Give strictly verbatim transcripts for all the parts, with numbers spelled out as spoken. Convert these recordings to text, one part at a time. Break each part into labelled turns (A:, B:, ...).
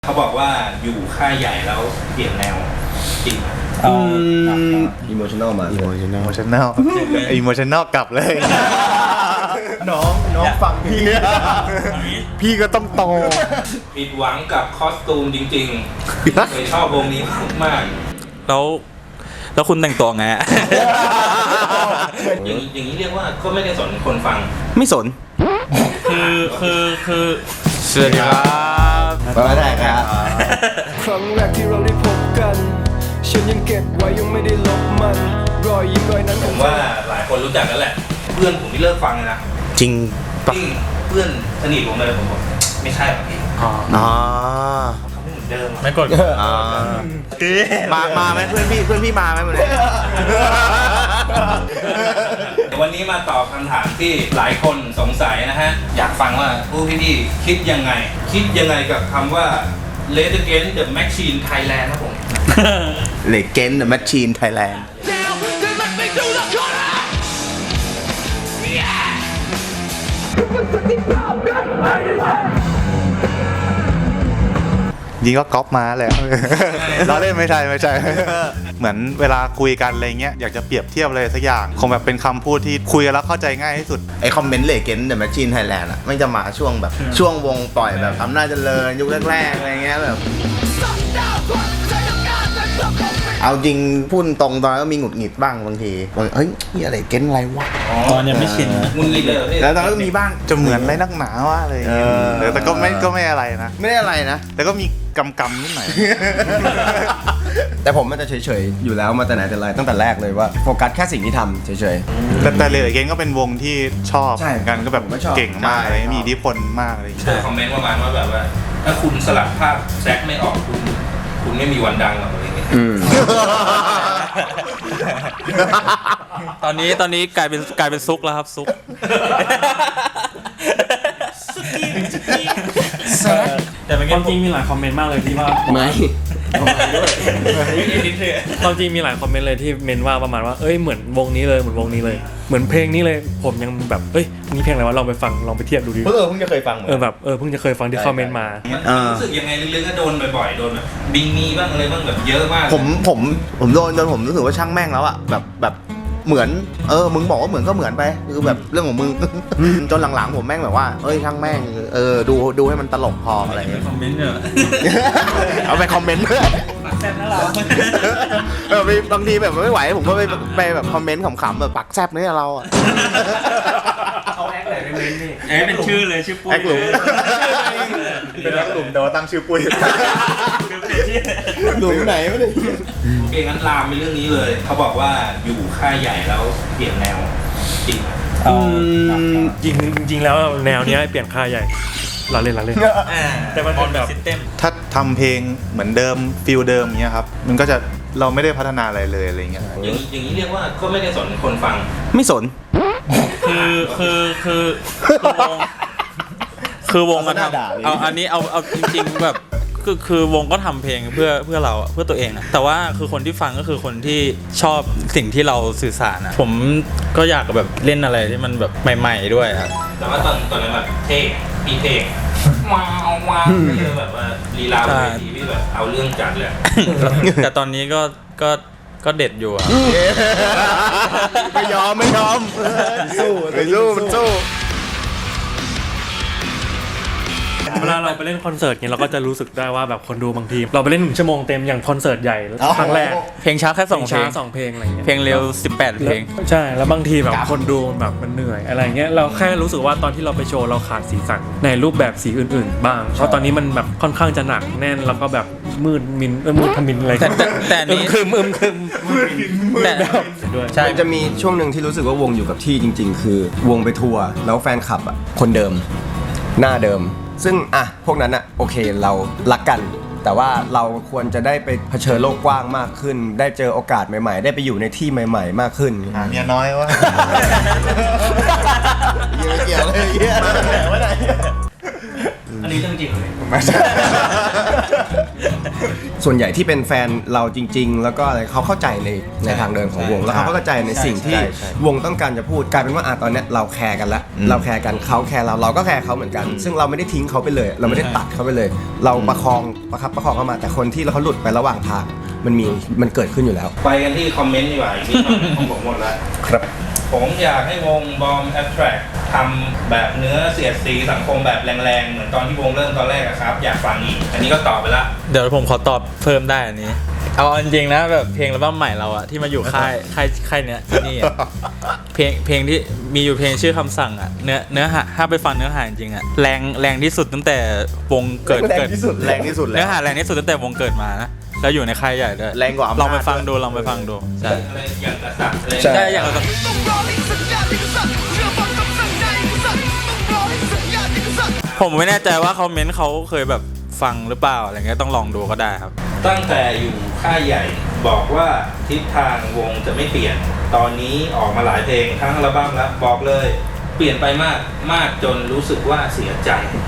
A: เขาบอกว่าอยู่ค่ายใหญ่แล้วเปลี่ยนแนวจริง
B: อื
C: มอิโมชันแนลมา
B: อิโมชันแนลอิโมชันแนลอิโมชันแนลกลับเลยน้องน้องฟังพี่พี่ก็ต้องโต
A: ผิดหวังกับคอสตูมจริงๆเคยชอบวงนี้มาก
D: แล้วแล้วคุณแต่งตัวไง
A: อย่างนี้อย่างนี้เรียกว่าก็ไม่ได้สนคนฟัง
B: ไม่สน
D: คือคือคือสวัสดีครับ
B: มาได้ครับ
C: ครั้งแรกที่เราได้พบกันฉันยังเก็บไว้ยังไม่ได้ลบมันรอยยิ้มรอยนั้น
A: ผมว่าหลายคนรู้จักกันแหละเพื่อนผมที่เลิกฟังนะ
B: จริง
A: จริงเพื่อนสนิทผมเลยผมบอกไม่ใช่หรอกพี่
B: อ๋อ
A: เขาไม่เหมือนเดิม
D: ไม่กด
B: อ๋อมามาไหมเพื่อนพี่เพื่อนพี่มาไหมวันนี้
A: วันนี้มาตอบคำถามที่หลายคนสงสัยนะฮะอยากฟังว่าผู้พี่ๆคิดยังไงคิดยังไงกับคำว่า Rage Against the Machine Thailand ครับผม
B: Rage Against the Machine Thailand ยิงก็ก๊อปมาแหละเราเล่นไม่ใช่ไม่ใช่เหมือนเวลาคุยกันอะไรเงี้ยอยากจะเปรียบเทียบอะไรสักอย่างคงแบบเป็นคำพูดที่คุยกันแล้วเข้าใจง่ายที่สุดไอคอมเมนต์เลเกนเดอะแมชชีนไทยแลนด์อ่ะไม่จะมาช่วงแบบช่วงวงปล่อยแบบอำนาจเจริญยุคแรกๆอะไรเงี้ยแบบเอาจริงพูดตรงตอนนั้นก็มีหงุดหงิดบ้างบางทีเฮ้ยนี่อะไรเก้นอะไรวะ
D: ตอนยังไม่ชิน
A: มึงเลย
B: แล้วตอนนั้นก็มีบ้างจะเหมือนอะไรนักหนาวะอะไรอย่างเงี้ยแต่ก็ไม่ก็ไม่อะไรนะไม่ได้อะไรนะแต่ก็มีกำกำนิดหน่อย
C: แต่ผมมันจะเฉยๆอยู่แล้วมาแต่ไหนแต่ไรตั้งแต่แรกเลยว่าโฟกัสแค่สิ่งที่ทำเฉย
B: ๆแต่แต่เลเกนก็เป็นวงที่ชอบกันก็แบบเก่งมากเลยมีอิทธิพลมากเลย
A: เจอคอมเมนต์ประมาณว่าแบบว่าถ้าคุณสลัดภาพแซกไม่ออกคุณคุณไม่มีวันดังหรอกอะไรเงี้ย
D: ตอนนี้ตอนนี้กลายเป็นกลายเป็นซุกแล้วครับซุก
E: แต่เป็นความจริงมีหลายคอมเมนต์มากเลยที่ว่า
C: ไม่
E: ความจริงมีหลายคอมเมนต์เลยที่เมนว่าประมาณว่าเอ้ยเหมือนวงนี้เลยเหมือนวงนี้เลยเหมือนเพลงนี้เลยผมยังแบบเอ้ยนี่เพลงอะไรวะลองไปฟังลองไปเทียบดูดิ
B: เออเพิ่งจะเคยฟัง
E: เออแบบเออเพิ่งจะเคยฟังที่คอมเมนต์มา
A: รู้สึกยังไงลึกๆก็โดนบ่อยๆโดนแบบบิงมีบ้างอะไรบ้างแบบเยอะมาก
B: ผมผมผมโดนจนผมรู้สึกว่าช่างแม่งแล้วอะแบบแบบเหมือนเออมึงบอกว่าเหมือนก็เหมือนไปคือแบบเรื่องของมึงจนหลังๆผมแม่งแบบว่าเอ้ยช่างแม่งเออดูดูให้มันตลกพออะไรอย่างเงี้ย
D: คอมเมนต์เนี่ย
B: เอาไปคอมเมนต์เพื่อน
D: แซ่บนะเรา
B: เออบางทีแบบไม่ไหวผมก็ไปไปแบบคอมเมนต์ขำๆแบบปักแซ่บเนี่ยเราอะ
E: เอาแอคไหนเป็นนี่
D: แอคเป็นชื่อเลยชื่อปุ้ย
B: แอคหลุมเป็นแอคหลุมแต่ว่าตั้งชื่อปุ้ยหลุมไหนวะเนี่ย
A: โอเคงั้นลามไปเรื่องนี้เลยเขาบอกว่าอยู่ค่ายใหญ่แล้วเปลี่ยนแนวจริง
E: จริงจริงแล้วแนวนี้เปลี่ยนค่ายใหญ่เราเล่นเราเล่นแต่มันเป็นแบบ
B: ถ้าทำเพลงเหมือนเดิมฟิลเดิมเงี้ยครับมันก็จะเราไม่ได้พัฒนาอะไรเลยอะไรเงี้ย
A: อย่างนี้อย่างนี้เรียกว่าก็ไม่ได้สนคนฟัง
B: ไม่สน
D: คือคือคือคือวงคือวงก็ทำเอาอันนี้เอาเอาจริงๆแบบคือคือวงก็ทำเพลงเพื่อเพื่อเราเพื่อตัวเองนะแต่ว่าคือคนที่ฟังก็คือคนที่ชอบสิ่งที่เราสื่อสารนะผมก็อยากแบบเล่นอะไรที่มันแบบใหม่ๆด้วยครับ
A: แต่ว่าตอนตอนนั้นแบบเท่พี่เท่ว้าวว้าวไม่ใช่แบบว่าลีลาเวทีที่แบบเอาเรื่องจัดเลย
D: แต่ตอนนี้ก็ก็ก็เด็ดอยู่อ่ะ
B: ไม่ยอมไม่ยอมสู้ไม่สู้มันสู้
E: เวลาเราไปเล่นคอนเสิร์ตเนี่ยเราก็จะรู้สึกได้ว่าแบบคนดูบางทีเราไปเล่นหนึ่งชั่วโมงเต็มอย่างคอนเสิร์ตใหญ่ครั้งแรก
D: เพลงช้าแค่สองเพลง
E: สองเพลงอะไรเงี้ย
D: เพลงเร็วสิบแปดเพลง
E: ใช่แล้วบางทีแบบคนดูแบบมันเหนื่อยอะไรเงี้ยเราแค่รู้สึกว่าตอนที่เราไปโชว์เราขาดสีสันในรูปแบบสีอื่นๆบ้างเพราะตอนนี้มันแบบค่อนข้างจะหนักแน่นแล้วก็แบบมืดมินเออมืดทมินอะไร
D: แต่แต่นี้
E: คือมึมคือ
D: แต่
E: ด้วย
C: ใช่จะมีช่วงหนึ่งที่รู้สึกว่าวงอยู่กับที่จริงๆคือวงไปทัวร์แล้วแฟนคลับอ่ะคนเดิมหน้าเดิมซึ่งอ่ะพวกนั้นอ่ะโอเคเรารักกันแต่ว่าเราควรจะได้ไปเผชิญโลกกว้างมากขึ้นได้เจอโอกาสใหม่ๆได้ไปอยู่ในที่ใหม่ๆมากขึ้น
B: อ่ะเมียน้อยวะเยอะเกี่ยวเลยเยอะมาไหนวะไหน
A: อันนี้เรื่องจริงเลย
B: ไม่ใช่
C: ส่วนใหญ่ที่เป็นแฟนเราจริง ๆ แล้วก็อะไรเขาเข้าใจในในทางเดินของวง แล้วเขาก็เข้าใจในสิ่งที่วงต้องการจะพูดกลายเป็นว่าอ่ะตอนเนี้ยเราแคร์กันละเราแคร์กันเขาแคร์เราเราก็แคร์เขาเหมือนกัน ซึ่งเราไม่ได้ทิ้งเขาไปเลย เราไม่ได้ตัดเขาไปเลย เราประคองประคับประคองเข้ามาแต่คนที่เขาหลุดไประหว่างทางมันมีมันเกิดขึ้นอยู่แล้ว
A: ไปกันที่คอมเมนต์ดีกว่าอีกนิดหน่อยของผมหมดแล้ว
C: ครับ
A: ผมอยากให้วงบอมแอ t แทรกทำแบบเนื้อเสียดสีสังคมแบบแรงๆ เหมือนตอนที่วงเริ่มตอนแรกอะครับ อยากฟังอีก อันนี้ก็ตอบไปละ
D: เดี๋ยวผมขอตอบเพิ่มได้อันนี้ เอาจริงๆนะแบบเพลงอัลบั้มใหม่เราอะที่มาอยู่ค่ายค่ายค่ายเนี้ยที่นี่อะเพลงเพลงที่มีอยู่เพลงชื่อคำสั่งอะเนื้อเนื้อหาถ้าไปฟังเนื้อหาจริงๆอะแรงแรงที่สุดตั้งแต่วงเกิด
C: แรง
D: เกิด
C: ที่สุด
B: แรงที่สุดแล้
D: เนื้
B: ว
D: อหาแรงที่สุดตั้งแต่วงเกิดมานะแล้วอยู่ในค่ายใหญ่ด้วย
B: แรงกว่าอำนาจ
D: ลองไปฟังดูลองไปฟังดูใช่
A: อะไรอย่างกระสับอะไร
C: ใช่
D: ใช่อย่างเรา
F: ต้องรอให้สัญญาณที่สั่นเชื่อฟังคำสั่งในสั่นต้องรอให้สัญญาณที่สั่น
D: ผมไม่แน่ใจว่าเขาเม้นเขาเคยแบบฟังหรือเปล่าอะไรเงี้ยต้องลองดูก็ได้ครับ
A: ตั้งแต่อยู่ค่ายใหญ่บอกว่าทิศทางวงจะไม่เปลี่ยน ตอนนี้ออกมาหลายเพลงทั้งอัลบั้มแล้วบอกเลย เปลี่ยนไปมากมากจนรู้สึกว่าเสียใจ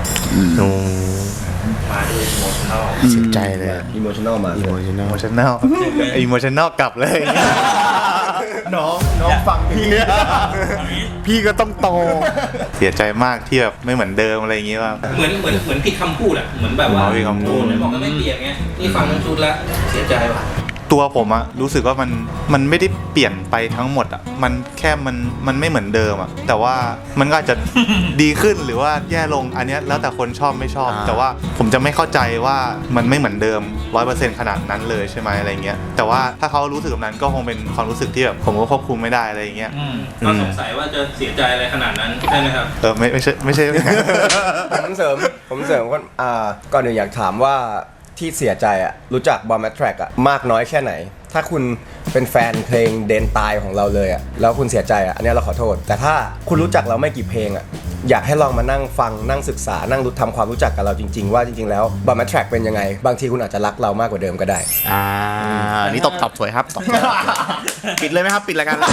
A: มาด้วยอิโมชั่นอล
B: เสียใจเลย
C: อิโมชันแนลมา
B: อิโมชันแนลอิโมชันแนลอิโมชันแนลกลับเลย น้องน้องฟังพี่เนี่ยพี่ก็ต้องโต เสียใจมากที่แบบไม่เหมือนเดิมอะไรอย่างงี้ว่า
A: เหมือนเหมือนเหมือนผิดคำพูดอะเหมือนแบบว่า
B: อ๋อผิดคำพูด
A: โอ้ยบอกว่าไม่เปลี่ยนไงนี่ฟังทั้งชุดแล้วเสียใจว่ะ
B: ตัวผมอะรู้สึกว่ามันมันไม่ได้เปลี่ยนไปทั้งหมดอะมันแค่มันมันไม่เหมือนเดิมอะแต่ว่ามันก็อาจจะ ดีขึ้นหรือว่าแย่ลงอันเนี้ยแล้วแต่คนชอบไม่ชอบ แต่ว่าผมจะไม่เข้าใจว่ามันไม่เหมือนเดิม ร้อยเปอร์เซ็นต์ ขนาดนั้นเลยใช่ไหมอะไรเงี้ยแต่ว่าถ้าเขารู้สึกแบบนั้นก็คงเป็นความรู้สึกที่แบบผมก็ควบคุมไม่ได้อะไรอย่างเงี้ย
A: อืมก็สงสัยว่าจะเสียใจอะไรขนาดนั้นใช่ไหมครับ
B: เออไม่ไม่ใช่ไม่ใช่
C: ผมเสริมผมเสริมก่อนอ่าก่อนอื่นอยากถามว่าที่เสียใจอะรู้จักบอมแมทแทร็กอะมากน้อยแค่ไหน ถ้าคุณเป็นแฟนเพลงเดนตายของเราเลยอะแล้วคุณเสียใจอะอันนี้เราขอโทษ แต่ถ้าคุณรู้จักเราไม่กี่เพลงอะอยากให้ลองมานั่งฟังนั่งศึกษานั่งรู้ทำความรู้จักกับเราจริง ๆ ว่าจริง ๆ แล้วบอมแมทแทร็กเป็นยังไง บางทีคุณอาจจะรักเรามากกว่าเดิมก็ได้
B: อ่าอันนี้ตบตบสวยครับตบสวยปิดเลยไหมครับปิดรายการ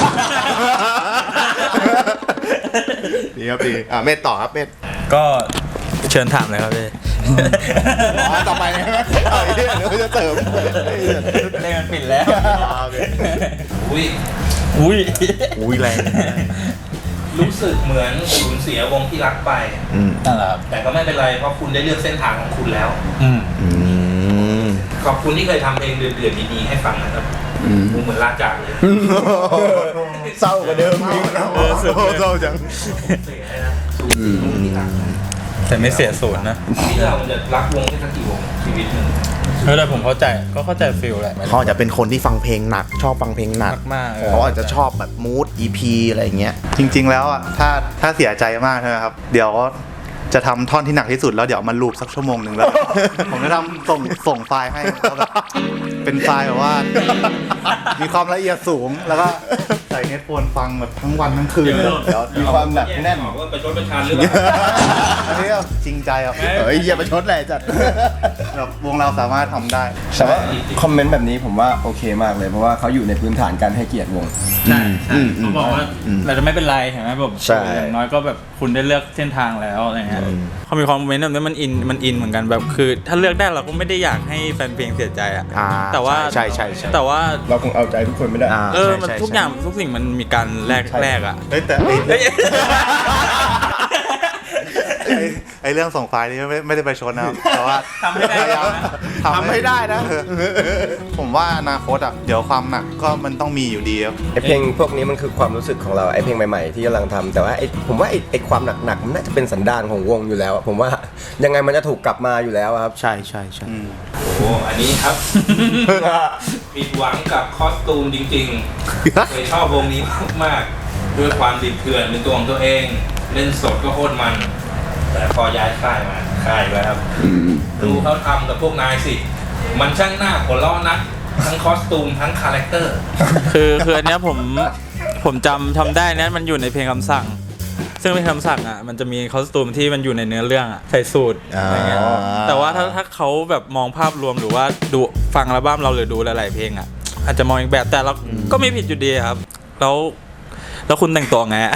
B: ดีครับดีอ่าเมธต่อครับเมธ
D: ก็เชิญถามเลยครับพี่
B: อ๋อต่อไปนะเออเดี๋ยวจะเสริม
D: เล่นมันปิดแล้ว
A: อุ้ย
D: อุ้ย
B: อุ้ยแรง
A: รู้สึกเหมือนสูญเสียวงที่รักไป
B: อืม
D: นั่นแหละครับ
A: แต่ก็ไม่เป็นไรเพราะคุณได้เลือกเส้นทางของคุณแล้ว
D: อืม
B: อืม
A: ขอบคุณที่เคยทำเพลงเดือดๆดีๆให้ฟังนะครับกูเหมือนลาจากเลย
B: เศร้ากว่าเดิมอีกเออเศร้าจัง
A: เสียเลยนะสูญเสียวงที่รักไป
D: แต่ไม่เสียศูนย์นะ
A: ที่เราจะรักวงแค่สักกี่วงชีวิตหนึ่ง
D: เออแต่ผมเข้าใจก็เข้าใจฟิลแหละ
G: เขาอาจจะเป็นคนที่ฟังเพลงหนัก ชอบฟังเพลงหนัก
D: มากๆเออ
G: เขาอาจจะชอบแบบมูด อี พี อะไรอย่างเงี้ย
B: จริง ๆ แล้วอ่ะถ้าถ้าเสียใจมากใช่ไหมครับ เดี๋ยวจะทำท่อนที่หนักที่สุดแล้วเดี๋ยวมันลูปสักชั่วโมงหนึ่งแล้ว ผมจะทำส่งส่งไฟล์ให้แล้วแบบเป็นไฟล์แบบว่า มีความละเอียดสูงแล้วก็ใส่เฮดโฟนฟังแบบทั้งวันทั้งคืนเลยเดี๋ยว
C: มีความแบบแน่น
A: บอกว่าไปชดประชานหรือเปล่า
B: อันนี้ก็จริงใจครับ
G: เฮ้ยอย่าไปชดเลยจัด
B: แบบวงเราสามารถทำได้
C: แต่ว่าคอมเมนต์แบบนี้ผมว่าโอเคมากเลย เพราะว่าเขาอยู่ในพื้นฐานการให้เกียรติวง
D: ใช่ใช่เขาบอกว่าเราจะไม่เป็นไรเห็นไหมแบบ
C: ใช่
D: อย่างน้อยก็แบบคุณได้เลือกเส้นทางแล้วอะไรเงี้ยเขามีความเมนต์แบบนี้มันอินมันอินเหมือนกันแบบคือ ถ้าเลือกได้เราก็ไม่ได้อยากให้แฟนเพลงเสียใจอะ
G: อ่า
D: แต่ว่า
G: ใช่ใช่ใช่
D: แต่ว่า
C: เราคงเอาใจทุกคนไม่ได้
G: อ่า
D: เออ
G: ใช่
D: มัน
G: ใช่
D: ทุก
G: ใช่
D: อย่างทุกสิ่งมันมีการแลกแลกอะ
B: เฮ้ยแต่ไอ้ไอ้ไอ้เรื่องส่งไฟล์นี่ไม่ไม่ได้ไปชนนะครับแต่ว่า
D: ทำให้ได้
B: พยายาม
G: ทำให้ได้นะ
B: ผมว่าอนาคตอ่ะเดี๋ยวความหนักก็มันต้องมีอยู่ดีครับ
C: ไอเพลงพวกนี้มันคือความรู้สึกของเราไอเพลงใหม่ๆที่กำลังทำแต่ว่าไอผมว่าไอไอความหนักๆมันน่าจะเป็นสันดานของวงอยู่แล้วอะผมว่ายังไงมันจะถูกกลับมาอยู่แล้วอะครับ
G: ใช่ใช่ใช่
A: โอ้โหอันนี้ครับ ผิดหวังกับคอสตูมจริงๆ เคยชอบวงนี้มากๆ ด้วยความดิบเถื่อนเป็นตัวของตัวเอง เล่นสดก็โคตรมัน แต่พอย้ายค่ายมาค่ายแล้วครับ ดูเขาทำกับพวกนายสิ มันช่างหน้าหัวล้อนัก ทั้งคอสตูมทั้งคาแรคเตอร์
D: คือคืออันเนี้ยผมผมจำทำได้นะมันอยู่ในเพลงคำสั่ง ซึ่งเป็นคำสั่งอ่ะมันจะมีคอสตูมที่มันอยู่ในเนื้อเรื่องอ่ะใส่สูตรอะไรเงี้ยแต่ว่าถ้าถ้าเขาแบบมองภาพรวมหรือว่าดูฟังอัลบั้มเราหรือดูหลายๆเพลงอ่ะอาจจะมองอีกแบบแต่เราก็ไม่ผิดอยู่ดีครับแล้วแล้วคุณแต่งตัวไงอะ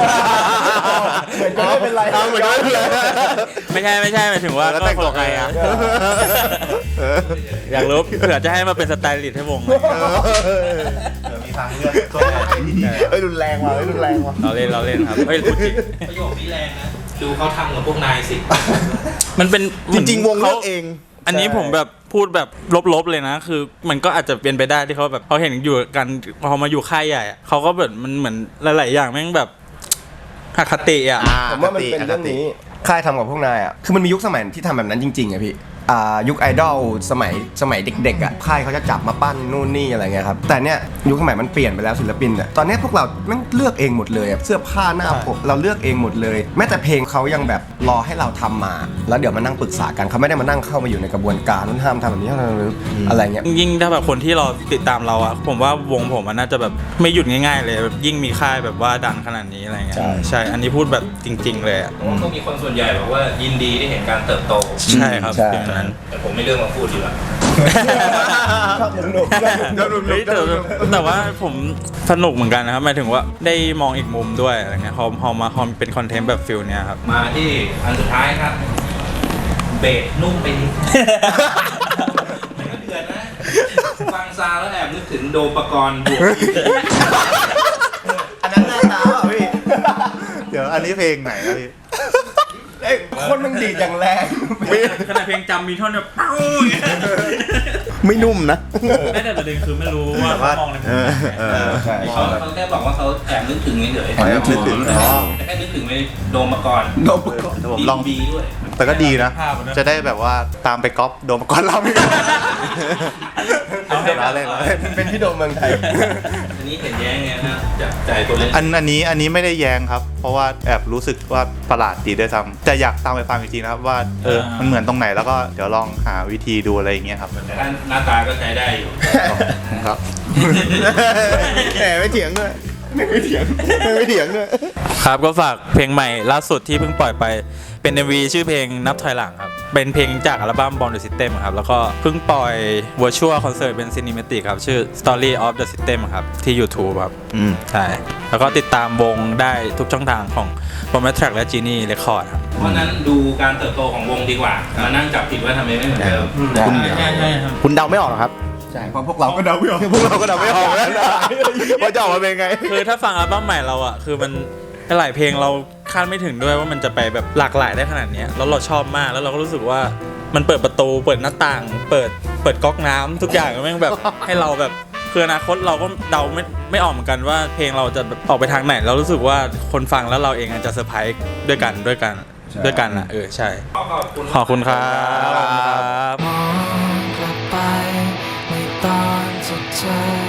C: ไม่เป็นไร
B: เอาเหมือนกันเลย
D: ไม่ใช่ไม่ใช่หมายถึงว่า
B: แล้วแต่งตัวไงอะ
D: เอยากรู้เผื่อจะให้มาเป็นสไตลิสต์ให้วง
B: เดี๋ยวมีทางเลือกตัวใหญ่
G: เอ้ยรุนแรงว่ะเอ้ยรุนแรงว่ะ
D: เราเล่นเราเล่นครับเฮ้ยพูดจริง
A: ประโยคนี้แรงนะ ดูเขาทำกับพวกนายสิ
D: มันเป็น
G: จริงๆวงเลือกเอง
D: อันนี้ผมแบบพูดแบบลบๆเลยนะ คือมันก็อาจจะเป็นไปได้ที่เขาแบบเขาเห็นอยู่กันพอมาอยู่ค่ายใหญ่อะเขาก็แบบมันเหมือนหลายๆอย่างแม่งแบบอคติอ่ะ
G: อ่า
C: ผมว่ามันเป็นเรื่องนี้ค่ายทำกับพวกนายอ่ะคือมันมียุคสมัยที่ทำแบบนั้นจริงๆอะพี่อ่ายุคไอดอลสมัยสมัยเด็กๆอ่ะค่ายเขาจะจับมาปั้นนู่นนี่อะไรเงี้ยครับแต่เนี้ยยุคสมัยมันเปลี่ยนไปแล้วศิลปินอ่ะตอนเนี้ยพวกเราแม่งเลือกเองหมดเลยอะเสื้อผ้าหน้าผมเราเลือกเองหมดเลย แม้แต่เพลงเขายังแบบรอให้เราทำมา แล้วเดี๋ยวมานั่งปรึกษากันเขาไม่ได้มานั่งเข้ามาอยู่ในกระบวนการนั้นห้ามทำแบบนี้ห้ามทำแบบนี้อะไรเงี้ย
D: ยิ่งถ้าแบบคนที่เราติดตามเราอะผมว่าวงผมมันน่าจะแบบไม่หยุดง่ายๆเลยแบบยิ่งมีค่ายแบบว่าดังขนาดนี้อะไรเงี้ย
C: ใช่
D: ใช่อันนี้พูดแบบจริง ๆ เลยอะ
A: ผมว่าก็มีคนส่วนใหญ่บอกว่ายินดีที่เห็นการเติบโต
D: ใช่ครับ
C: ใช่
D: อย่างนั้น
A: แต่ผมไม่เลือกมาพูดดีกว่า
C: ชอบหนุกๆชอบหนุกๆ
D: เฮ้ยแต่แต่ว่าผมสนุกเหมือนกันนะครับหมายถึงว่าได้มองอีกมุมด้วยอะไรเงี้ยพอพอมาพอเป็นคอนเทนต์แบบฟิลเนี้ยครับ
A: มาที่อันสุดท้ายครับ เบสนุ่มไปนิดมันก็เดือดนะ ฟังซาวแล้วแอบนึกถึงโดมปกรณ์บวก
G: อันนั้นหน้าตาอ่ะพี่
B: เดี๋ยวอันนี้เพลงไหนครับพี่
C: เอ้ยคนมันดีดอย่างแรง
D: ขนาดเพลงจำมีท่อนแบบเป้า
G: ไม่นุ่มนะ
D: ไม่แต่ประเด็นคือไม่รู้ว่าเขามองในมุมไหน
B: เออ
C: ใช่
A: เขาเขาแค่บอกว่าเขาแอบนึกถึงเฉยๆ
C: แอบนึกถึง
A: อ๋อแต่แค่นึกถึงไปโดมปกรณ์
C: โดนประกอบ
B: เดี๋ยวผมลอง
A: บีด้วย
B: แต่ก็ดีนะ
D: ภาพอะนะ
B: จะได้แบบว่าตามไปก๊อปโดมก่อนเราไม่ได้
D: เอาให้
B: ล้อเล่นล้อเล่น
C: เป็นพี่โดมเมืองไทย
A: อันนี้เห็นแย้งไงนะจากใจตัวเล่น
B: อันอันนี้อันนี้ไม่ได้แย้งครับ เพราะว่าแอบรู้สึกว่าประหลาดดีด้วยซ้ำแต่อยากตามไปฟังอีกทีนะครับว่าเออมันเหมือนตรงไหนแล้วก็เดี๋ยวลองหาวิธีดูอะไรอย่างเงี้ยครับ
A: แต่ถ้าหน้าตาก็ใช้ได้อยู่
B: ครับ
G: แหมไม่เถียงด้วยไม่เถียงไม่เถียงด้วย
D: ครับก็ฝากเพลงใหม่ล่าสุดที่เพิ่งปล่อยไปเป็น เอ็ม วี ชื่อเพลงนับถอยหลังครับเป็นเพลงจากอัลบั้ม Born the System ครับแล้วก็เพิ่งปล่อย Virtual Concert เป็น Cinematic ครับชื่อ Story of the System ครับที่ YouTube ครับ
B: อืม
D: ใช่แล้วก็ติดตามวงได้ทุกช่องทางของ Bomb Track และ Genie Record ครับ
A: เพราะนั้นดูการเติบโตของวงดีกว่า มานั่งจับผิดว่าทำไมไม่เหมือนเดิม
G: คุณ
D: ใช่ใช่ครับ
G: คุณเดาไม่ออกหรอครับ
C: ใช่เพราะพวกเราก็เดาไม่ออก
G: พวกเราก็เดาไม่ออกแล้วนะว่าจะออกมาเป็นไง
D: คือถ้าฟังอัลบั้มใหม่เราอ่ะคือมันหลายเพลงเราคาดไม่ถึงด้วยว่ามันจะไปแบบหลากหลายได้ขนาดเนี้ยแล้วเราชอบมากแล้วเราก็รู้สึกว่ามันเปิดประตูเปิดหน้าต่าง เปิดเปิดก๊อกน้ำทุกอย่างแม่งแบบ ให้เราแบบคืออนาคตเราก็เดาไม่ไม่ออกเหมือนกันว่าเพลงเราจะแบบออกไปทางไหนเรารู้สึกว่าคนฟังแล้วเราเองอาจจะเซอร์ไพรส์ด้วยกันด้วยกันด้วยกันอ่ะเออใช่
A: ขอขอบคุณ
D: ขอบคุณครับขอบคุณครับ
F: มองกลับไปในตอนสุดท้าย